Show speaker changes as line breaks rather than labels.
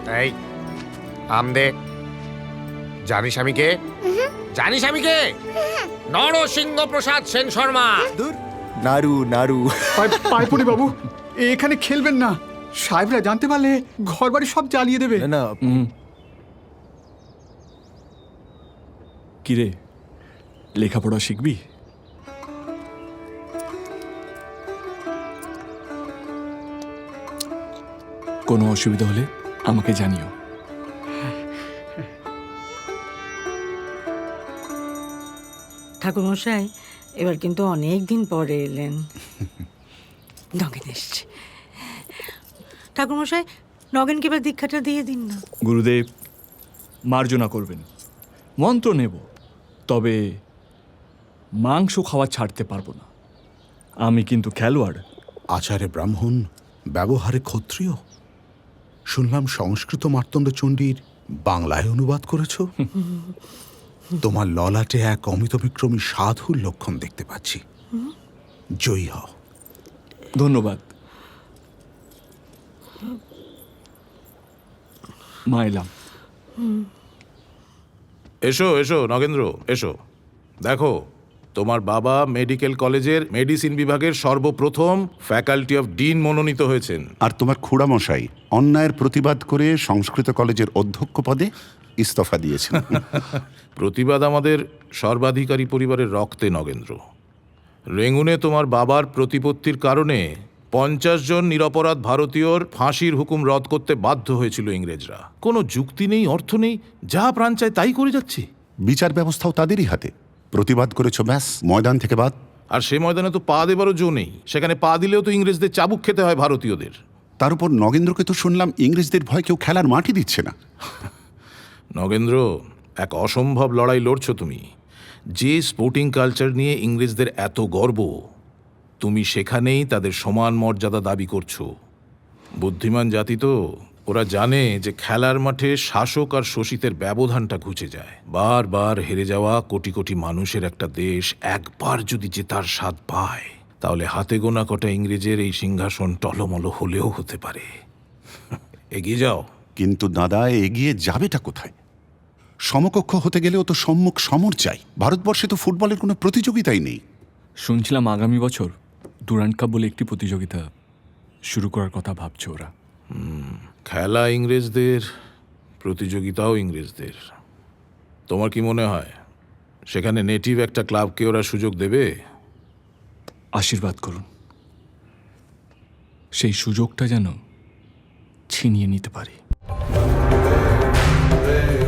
এই আম দে। জানিস আমি কে? জানিস আমি কে? নরসিংহ প্রসাদ সেন শর্মা।
দূর নাড়ু নাড়ু।
পায়ে পড়ি বাবু, এখানে খেলবেন না। সাহেবরা জানতে পারলে ঘর বাড়ি সব জ্বালিয়ে দেবে।
না
কিরে, লেখাপড়া শিখবি? কোনো অসুবিধা হলে আমাকে জানিও।
ঠাকুরমশাই, এবার কিন্তু অনেক দিন পরে এলেন। নগেন এসছে। ঠাকুরমশাই, নগেনকে এবার দীক্ষাটা দিয়ে দিন না।
গুরুদেব মার্জনা করবেন, মন্ত্র নেব, তবে মাংস খাওয়া ছাড়তে পারবো না। আমি কিন্তু খেলোয়াড়।
আচারে ব্রাহ্মণ, ব্যবহারে ক্ষত্রিয়। শুনলাম সংস্কৃত মার্তণ্ড চণ্ডীর বাংলায় অনুবাদ করেছ। তোমার ললাটে এক অমিতবিক্রমী সাধুর লক্ষণ দেখতে পাচ্ছি। জয়ী হও।
ধন্যবাদ। মা এলাম।
এসো এসো নগেন্দ্র, এসো। দেখো, তোমার বাবা মেডিকেল কলেজের মেডিসিন বিভাগের সর্বপ্রথম ফ্যাকাল্টি অফ ডিন মনোনীত হয়েছেন।
আর তোমার খুড়ামশাই অন্যায়ের প্রতিবাদ করে সংস্কৃত কলেজের অধ্যক্ষ পদে ইস্তফা দিয়েছেন।
প্রতিবাদ আমাদের সর্বাধিকারী পরিবারের রক্তে নগেন্দ্র। রেঙ্গুনে তোমার বাবার প্রতিপত্তির কারণে 50 জন নিরপরাধ ভারতীয়র ফাঁসির হুকুম রদ করতে বাধ্য হয়েছিল ইংরেজরা। কোনো যুক্তি নেই, অর্থ নেই, যা প্রাণ চায় তাই করে যাচ্ছে।
বিচার ব্যবস্থাও তাদেরই হাতে। প্রতিবাদ করেছো, ব্যাস, ময়দান থেকে বাদ।
আর সে ময়দানে তো পা দেবারও জো নেই। সেখানে পা দিলেও তো ইংরেজদের চাবুক খেতে হয় ভারতীয়দের।
তার উপর নগেন্দ্রকে তো শুনলাম ইংরেজদের ভয় কেউ খেলার মাঠই দিচ্ছে না।
নগেন্দ্র, এক অসম্ভব লড়াই লড়ছো তুমি। যে স্পোর্টিং কালচার নিয়ে ইংরেজদের এত গর্ব, তুমি সেখানেই তাদের সমান মর্যাদা দাবি করছো। বুদ্ধিমান জাতি তো, ওরা জানে যে খেলার মাঠে শাসক আর শোষিতের ব্যবধানটা ঘুচে যায়। বারবার হেরে যাওয়া কোটি কোটি মানুষের একটা দেশ একবার যদি জেতার স্বাদ পায়, তাহলে হাতে গোনা কটা ইংরেজের এই সিংহাসন টলমল হলেও হতে পারে। এগিয়ে যাও।
কিন্তু দাদা, এগিয়ে যাবেটা কোথায়? সমকক্ষ হতে গেলেও তো সম্মুখ সমর চাই। ভারতবর্ষে তো ফুটবলের কোনো প্রতিযোগিতাই নেই।
শুনছিলাম আগামী বছর ডুরান্ড কাপ বলে একটি প্রতিযোগিতা শুরু করার কথা ভাবছে ওরা।
খেলা ইংরেজদের, প্রতিযোগিতাও ইংরেজদের। তোমার কি মনে হয় সেখানে নেটিভ একটা ক্লাবকে ওরা সুযোগ দেবে?
আশীর্বাদ করুন, সেই সুযোগটা যেন ছিনিয়ে নিতে পারি।